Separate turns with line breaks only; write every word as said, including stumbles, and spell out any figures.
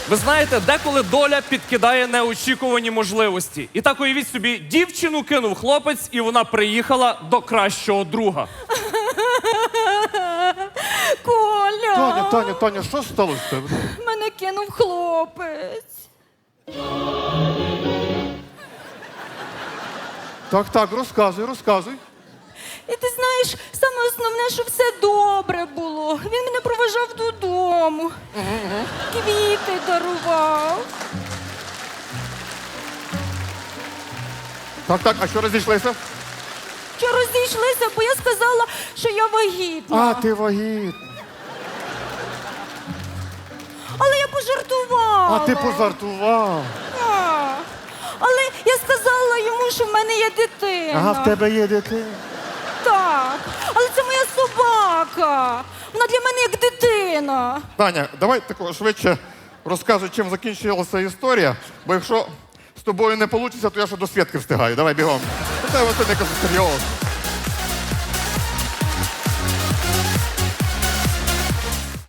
Ви знаєте, деколи доля підкидає неочікувані можливості. І так уявіть собі, дівчину кинув хлопець, і вона приїхала до кращого друга.
Коля!
Таня, Таня, Таня, що сталося з тебе?
Мене кинув хлопець.
Так, так, розказуй, розказуй.
І ти знаєш, саме основне, що все добре було. Він мене проважав додому. Квіти дарував.
Так, так, а що розійшлися?
Що розійшлися, бо я сказала, що я вагітна.
А, ти вагітна.
Але я пожартувала.
А ти пожартував.
А. Але я сказала йому, що в мене є дитина.
Ага, в тебе є дитина.
Так. Але це моя собака. Вона для мене як дитина.
Таня, давай тако швидше розказуй, чим закінчилася історія, бо якщо з тобою не вийде, то я ще до Свідки встигаю. Давай бігом. Це не кажу серйозно.